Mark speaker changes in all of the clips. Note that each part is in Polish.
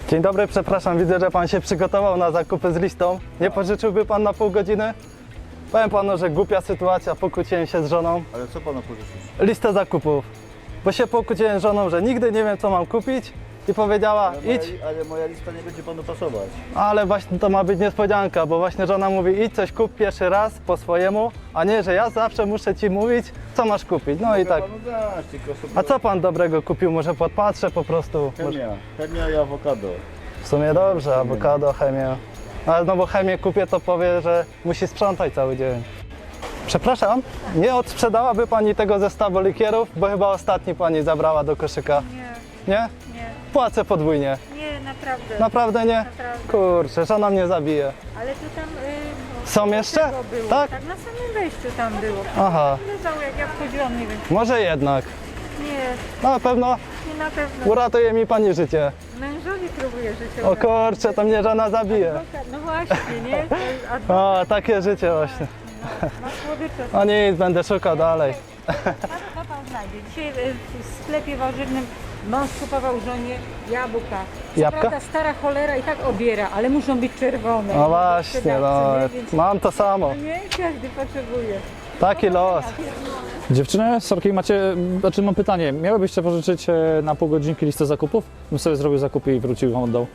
Speaker 1: Dzień dobry, przepraszam, widzę, że pan się przygotował na zakupy z listą. Nie pożyczyłby pan na pół godziny? Powiem panu, że głupia sytuacja, pokłóciłem się z żoną.
Speaker 2: Ale co pana pożyczyć?
Speaker 1: Listę zakupów. Bo się pokłóciłem z żoną, że nigdy nie wiem, co mam kupić i powiedziała, idź.
Speaker 2: Ale moja lista nie będzie panu pasować.
Speaker 1: Ale właśnie to ma być niespodzianka, bo właśnie żona mówi, idź coś kup pierwszy raz po swojemu, a nie, że ja zawsze muszę ci mówić, co masz kupić. No i tak.
Speaker 2: Panu dać, tylko sobie...
Speaker 1: A co pan dobrego kupił? Może podpatrzę po prostu.
Speaker 2: Chemia i awokado.
Speaker 1: W sumie dobrze, awokado, chemię. Ale no bo chemię kupię, to powie, że musi sprzątać cały dzień. Przepraszam, nie odsprzedałaby pani tego zestawu likierów, bo chyba ostatni pani zabrała do koszyka.
Speaker 3: Nie,
Speaker 1: Nie?
Speaker 3: nie,
Speaker 1: Płacę podwójnie.
Speaker 3: nie, naprawdę.
Speaker 1: Naprawdę nie?
Speaker 3: Naprawdę.
Speaker 1: Kurczę, żona mnie zabije.
Speaker 3: Ale to tam...
Speaker 1: Są jeszcze?
Speaker 3: tego było.
Speaker 1: Tak?
Speaker 3: Tak, na samym wejściu tam było.
Speaker 1: Aha,
Speaker 3: Leżało jak ja wchodziłam, nie wiem.
Speaker 1: może jednak.
Speaker 3: Nie,
Speaker 1: Na pewno
Speaker 3: nie na pewno.
Speaker 1: uratuje mi pani życie.
Speaker 3: Mężowi próbuje życie.
Speaker 1: O kurczę, to mnie żona zabije.
Speaker 3: No właśnie, nie? To jest adwokat,
Speaker 1: O, takie życie właśnie.
Speaker 3: ma słodycze.
Speaker 1: O nic, będę szukał dalej.
Speaker 3: Co pan znajdzie? Dzisiaj w sklepie warzywnym mąż kupował żonie jabłka.
Speaker 1: Jabłka?
Speaker 3: Prawda, stara cholera i tak obiera, ale muszą być czerwone.
Speaker 1: No właśnie, no,
Speaker 3: Nie, więc
Speaker 1: mam to samo.
Speaker 3: nie każdy potrzebuje.
Speaker 1: Taki los.
Speaker 4: Dziewczyny, sorki, mam pytanie. Miałybyście pożyczyć na pół godzinki listę zakupów? Bym sobie zrobił zakupy i wrócił i wam oddał.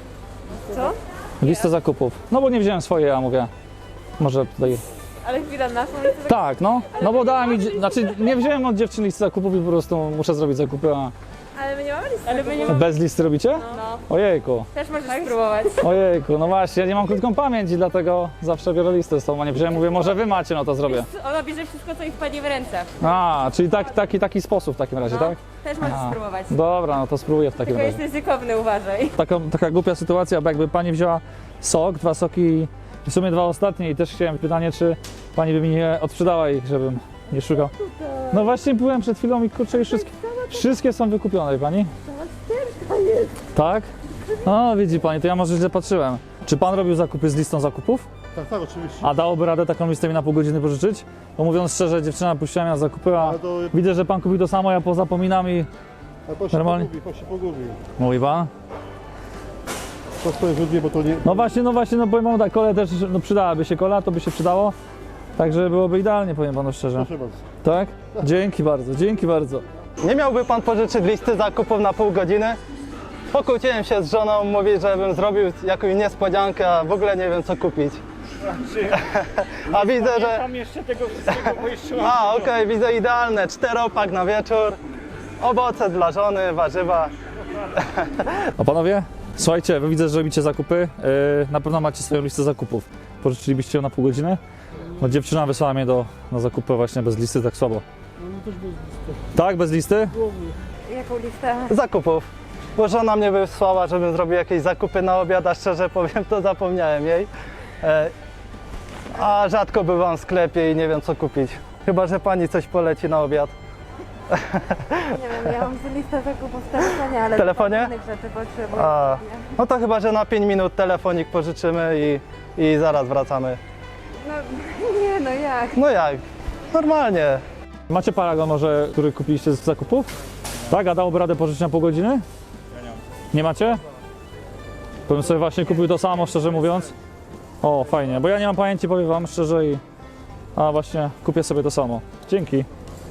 Speaker 5: Co?
Speaker 4: Listę zakupów. No bo nie wziąłem swojej, a mówię, może tutaj...
Speaker 5: Ale chwila, naszą listę
Speaker 4: Tak, no bo dała mi, znaczy nie wziąłem od dziewczyny listy zakupów i po prostu muszę zrobić zakupy, a
Speaker 5: Ale my nie mamy listy. Ale my nie mamy.
Speaker 4: bez listy robicie?
Speaker 5: No.
Speaker 4: Ojejku,
Speaker 5: Też możesz spróbować.
Speaker 4: ojejku, no właśnie, ja nie mam krótką pamięć i dlatego zawsze biorę listę z tą, a nie wziąłem, mówię, może wy macie, no to zrobię.
Speaker 5: Ona bierze wszystko, co jej wpadnie w ręce.
Speaker 4: A, czyli taki sposób w takim razie, tak?
Speaker 5: Też możesz
Speaker 4: A.
Speaker 5: spróbować.
Speaker 4: Dobra, no to spróbuję w takim
Speaker 5: Tylko
Speaker 4: razie.
Speaker 5: jest ryzykowny, uważaj.
Speaker 4: Taka głupia sytuacja, bo jakby pani wzięła sok, 2 soki i w sumie 2 ostatnie i też chciałem pytanie, czy pani by mi nie odsprzedała ich, żebym nie szukał. No właśnie byłem przed chwilą i kurczę, już wszystkie są wykupione, wie pani? Tak? No widzi pani, to ja może źle patrzyłem. Czy pan robił zakupy z listą zakupów?
Speaker 2: Tak, tak, oczywiście.
Speaker 4: A dałoby radę taką listę mi na pół godziny pożyczyć? Bo mówiąc szczerze, dziewczyna puściła mnie na zakupy, a
Speaker 2: Ale to...
Speaker 4: widzę, że pan kupił to samo, ja pozapominam i...
Speaker 2: A to się
Speaker 4: Normalnie.
Speaker 2: pogubi.
Speaker 4: Mówi pan?
Speaker 2: To swoje źródło, bo to nie...
Speaker 4: No właśnie, no powiem panu tak, kole też, no przydałaby się kola, to by się przydało. Także byłoby idealnie, powiem panu szczerze.
Speaker 2: Proszę bardzo.
Speaker 4: Tak? Dzięki bardzo, dzięki bardzo.
Speaker 1: Nie miałby pan pożyczyć listy zakupów na pół godziny? Pokłóciłem się z żoną, mówi, żebym zrobił jakąś niespodziankę, a w ogóle nie wiem, co kupić. A widzę, że...
Speaker 6: Tam jeszcze tego wszystkiego, bo jeszcze mam
Speaker 1: A, okej, widzę idealne. 4-opak na wieczór. Owoce dla żony, warzywa.
Speaker 4: A panowie? Słuchajcie, wy widzę, że robicie zakupy. Na pewno macie swoją listę zakupów. Pożyczylibyście ją na pół godziny? Bo dziewczyna wysłała mnie na zakupy właśnie bez listy, tak słabo. Tak, bez listy?
Speaker 5: Jaką listę?
Speaker 1: Zakupów. Bo żona mnie wysłała, żebym zrobił jakieś zakupy na obiad, a szczerze powiem, to zapomniałem jej. A rzadko bywam w sklepie i nie wiem, co kupić. Chyba że pani coś poleci na obiad.
Speaker 5: Nie wiem, ja mam listę zakupów w telefonie, ale
Speaker 1: W telefonie?
Speaker 5: innych rzeczy potrzebuję.
Speaker 1: A, no to chyba, że na 5 minut telefonik pożyczymy i zaraz wracamy.
Speaker 5: No nie, no jak?
Speaker 1: No jak? Normalnie.
Speaker 4: Macie paragon może, który kupiliście z zakupów? Tak, a dałoby radę pożyczyć na pół godziny? Ja nie mam. Nie macie? Bym sobie właśnie kupił to samo, szczerze mówiąc. O, fajnie, bo ja nie mam pamięci, powiem wam szczerze i... A właśnie, kupię sobie to samo. Dzięki.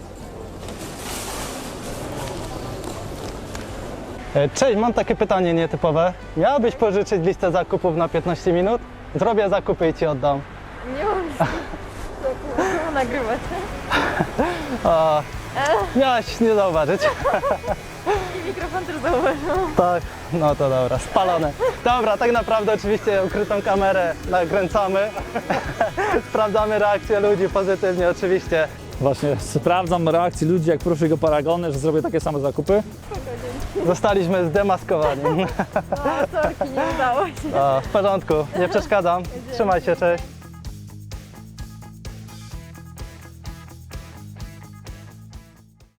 Speaker 1: Cześć, mam takie pytanie nietypowe. Miałabyś pożyczyć listę zakupów na 15 minut? Zrobię zakupy i ci oddam.
Speaker 5: Nie mam listy zakupów. Co nagrywać?
Speaker 1: A, miałaś nie zauważyć.
Speaker 5: I mikrofon też zauważył.
Speaker 1: Tak, no to dobra, spalone. Dobra, tak naprawdę oczywiście ukrytą kamerę nakręcamy. Sprawdzamy reakcję ludzi pozytywnie oczywiście.
Speaker 4: Właśnie sprawdzam reakcji ludzi, jak proszę go paragony, że zrobię takie same zakupy.
Speaker 1: Zostaliśmy zdemaskowani.
Speaker 5: O, sorki, nie udało się.
Speaker 1: O, w porządku, nie przeszkadzam. Trzymaj się, cześć.